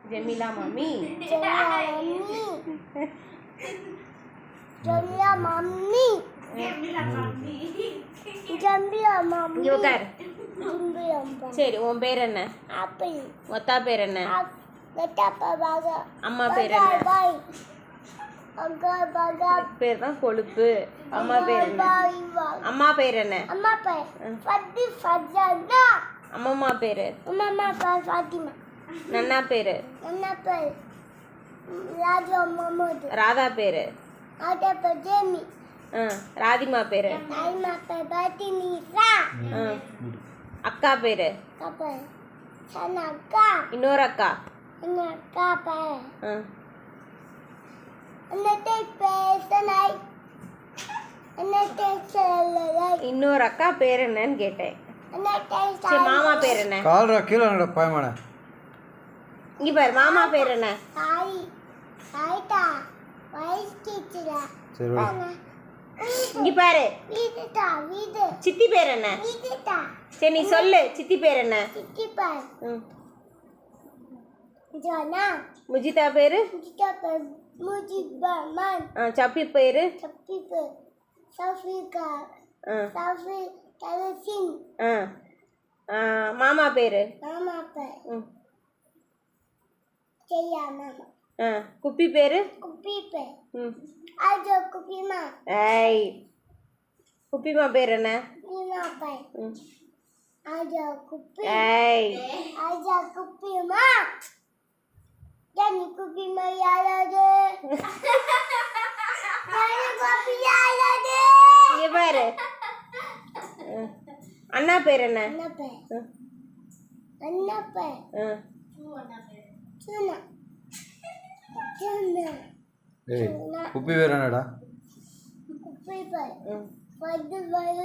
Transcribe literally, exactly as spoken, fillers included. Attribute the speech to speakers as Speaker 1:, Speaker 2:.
Speaker 1: ஜெமிலா மாமி.
Speaker 2: ஜெமிலா மாமி. ஜெமிலா மாமி. ஜெமிலா மாமி.
Speaker 1: இங்க உட்கார். சரி, உன் பேர் என்ன?
Speaker 2: ஆப்பிள்.
Speaker 1: ஒத்தா பேர் என்ன? அம்மா பேர் என்ன? பேர் தான் கொழுப்பு. அம்மா பேர் என்ன? அம்மா பேர் என்ன?
Speaker 2: அம்மா பேர் ஃபத்தி ஃபஜானா.
Speaker 1: அம்மம்மா பேரு?
Speaker 2: அம்மா பேர் ஃபாத்திமா.
Speaker 1: நன்னா பேரு?
Speaker 2: நன்னா பேர் ராஜா முகமது.
Speaker 1: ராதா பேரு?
Speaker 2: ராதா பேர் ஜெமி.
Speaker 1: ராதிமா பேரு?
Speaker 2: ராதிமா பேர் பாத்தினிசா.
Speaker 1: அக்கா பேரு?
Speaker 2: அக்கா பேர் சனா அக்கா. இன்னொரு
Speaker 1: அக்கா?
Speaker 2: இன்னொரு அக்கா பேர்
Speaker 1: இன்னொரு அக்கா பேர் என்னன்னு கேட்டேன். சரி, மாமா பேர் என்ன?
Speaker 3: கால்ரா கீழ நடா பாயமானே.
Speaker 1: இங்க பாரு, மாமா பேர் என்ன?
Speaker 2: சாய் சாய்டா வைஸ் டீச்சரா.
Speaker 3: சரி வா.
Speaker 1: இங்க பாரு,
Speaker 2: வீடுடா வீடு.
Speaker 1: சித்தி பேர் என்ன?
Speaker 2: வீடுடா.
Speaker 1: சரி, நீ சொல்லு, சித்தி பேர் என்ன?
Speaker 2: சித்தி பேர் ஜானா.
Speaker 1: முஜிதா பேரு?
Speaker 2: முஜிதா பேர் முஜிபமான்.
Speaker 1: சப்பி பேரு?
Speaker 2: சப்பி பேர் சஃபிகா. சஃபி தலசின்.
Speaker 1: மாமா பேரு?
Speaker 2: மாமா பேர் ஜெயா மாமா.
Speaker 1: குப்பி பேரு?
Speaker 2: குப்பி பேர் ஆஜோ குப்பிமா.
Speaker 1: ஏய், குப்பிமா பேர் என்ன?
Speaker 2: குப்பிமா பேர் ஆஜோ குப்பி.
Speaker 1: ஏய்,
Speaker 2: ஆஜோ குப்பிமா. ஜானி குப்பிமா யாராது? ஜானி குப்பி யாராது?
Speaker 1: இங்க பாரு, அண்ணா பேர் என்ன?
Speaker 2: அண்ணா பேர் அண்ணா பேர் சுனா. சுனா.
Speaker 3: ஏய் குப்பி வேற என்னடா?
Speaker 2: குப்பி பேர்